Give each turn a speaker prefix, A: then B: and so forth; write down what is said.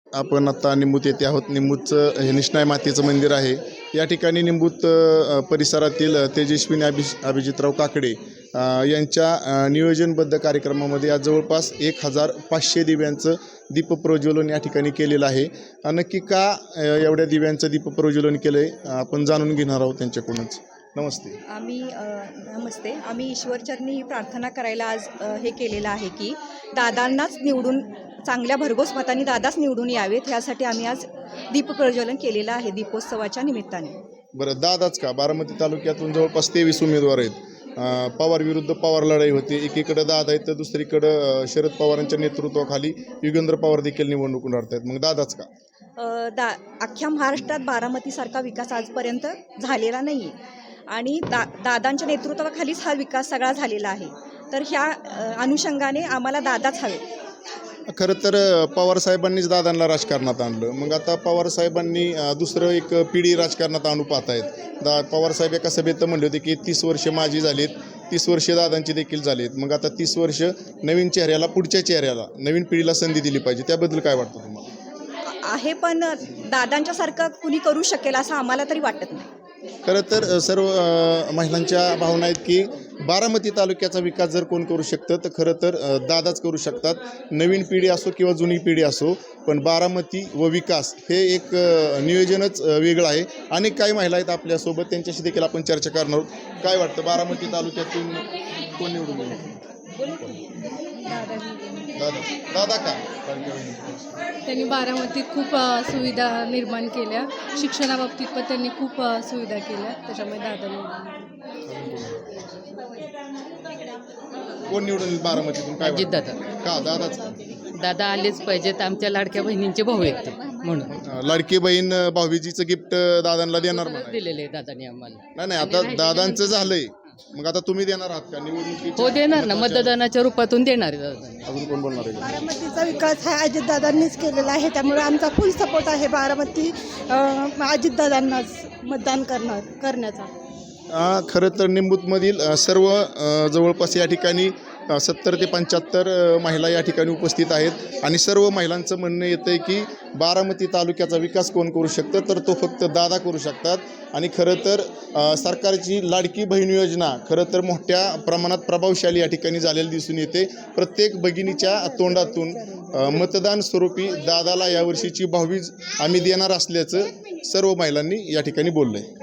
A: आपण आता निंबूत येथे आहोत. निंबूतचं हे निष्णाय मातेचं मंदिर आहे. या ठिकाणी निंबूत परिसरातील तेजस्विनी अभिजितराव काकडे यांच्या नियोजनबद्ध कार्यक्रमामध्ये आज जवळपास 1500 दिव्यांचं दीपप्रज्वलन या ठिकाणी केलेलं आहे. नक्की का एवढ्या दिव्यांचं दीपप्रज्वलन केलं आहे आपण जाणून घेणार आहोत त्यांच्याकडूनच. नमस्ते.
B: नमस्ते. आम्ही ईश्वरचरणी प्रार्थना करायला आज हे केलेलं आहे की दादांनाच निवडून चांगल्या भरघोस मतांनी दादाच निवडून यावेत यासाठी आम्ही आज दीपप्रज्वलन केलेलं आहे दीपोत्सवाच्या निमित्ताने.
A: बरं, दादाच का? बारामती तालुक्यातून जवळपास 23 उमेदवार आहेत. पवार विरुद्ध पवार लढाई होती. एकीकडे दादा आहेत तर दुसरीकडं शरद पवारांच्या नेतृत्वाखाली युगेंद्र पवार देखील निवडणूक लढत आहेत. मग दादाच का?
B: अख्ख्या महाराष्ट्रात बारामतीसारखा विकास आजपर्यंत झालेला नाही आहे आणि दादांच्या नेतृत्वाखालीच हा विकास सगळा झालेला आहे. तर ह्या अनुषंगाने आम्हाला दादाच हवे.
A: खरं तर पवारसाहेबांनीच दादांना राजकारणात आणलं. मग आता पवारसाहेबांनी दुसरं एक पिढी राजकारणात आणू पाहत आहेत. पवारसाहेब एका सभेत म्हणले होते की 30 वर्ष माझी झालीत, 30 वर्ष दादांची देखील झालीत. मग आता 30 वर्ष नवीन चेहऱ्याला, पुढच्या चेहऱ्याला, नवीन पिढीला संधी दिली पाहिजे. त्याबद्दल काय वाटतं तुम्हाला?
B: आहे पण दादांच्यासारखं कुणी करू शकेल असं आम्हाला तरी वाटत नाही.
A: खरं तर सर्व महिलांच्या भावना आहेत की बारामती तालुक्याचा विकास जर कोण करू शकतं तर खरं तर दादाच करू शकतात. नवीन पिढी असो किंवा जुनी पिढी असो, पण बारामती व विकास हे एक नियोजनच वेगळं आहे. अनेक काही महिला आहेत आपल्यासोबत, त्यांच्याशी देखील आपण चर्चा करणार आहोत. काय वाटतं बारामती तालुक्यातून कोण निवडून येईल? दादा का?
C: त्यांनी बारामतीत खूप सुविधा निर्माण केल्या. शिक्षणाबाबतीत पण त्यांनी खूप सुविधा केल्या. त्याच्यामुळे
A: कोण निवडून येईल बारामतीतून? काय
D: अजित दादा.
A: का दादाच?
D: दादा आलेच पाहिजेत. आमच्या लाडक्या बहिणींचे भाऊ आहेत ते, म्हणून
A: लाडकी बहीण भाऊबीजीचं गिफ्ट दादांना देणार म्हणाले.
D: दिलेले आहे दादांनी आम्हाला.
A: नाही, आता दादांचं झालंय. मग आता तुम्ही देणार आहात का निवडणुकीत?
D: हो, देणार ना, मतदानाच्या रूपातून देणार आहे दादा.
A: अजून कोण बोलणार आहे?
E: बारामतीचा विकास हा अजितदादांनीच केलेला आहे. त्यामुळे आमचा फुल सपोर्ट आहे बारामती अजितदादांनाच मतदान करण्याचा.
A: खरं तर निंबूतमधील सर्व जवळपास या ठिकाणी 70 ते 75 महिला या ठिकाणी उपस्थित आहेत आणि सर्व महिलांचं म्हणणं येतं आहे की बारामती तालुक्याचा विकास कोण करू शकतं तर तो फक्त दादा करू शकतात. आणि खरं तर सरकारची लाडकी बहीण योजना खरं तर मोठ्या प्रमाणात प्रभावशाली या ठिकाणी झालेली दिसून येते. प्रत्येक भगिनीच्या तोंडातून मतदान स्वरूपी दादाला यावर्षीची भाऊबीज आम्ही देणार असल्याचं सर्व महिलांनी या ठिकाणी बोललं आहे.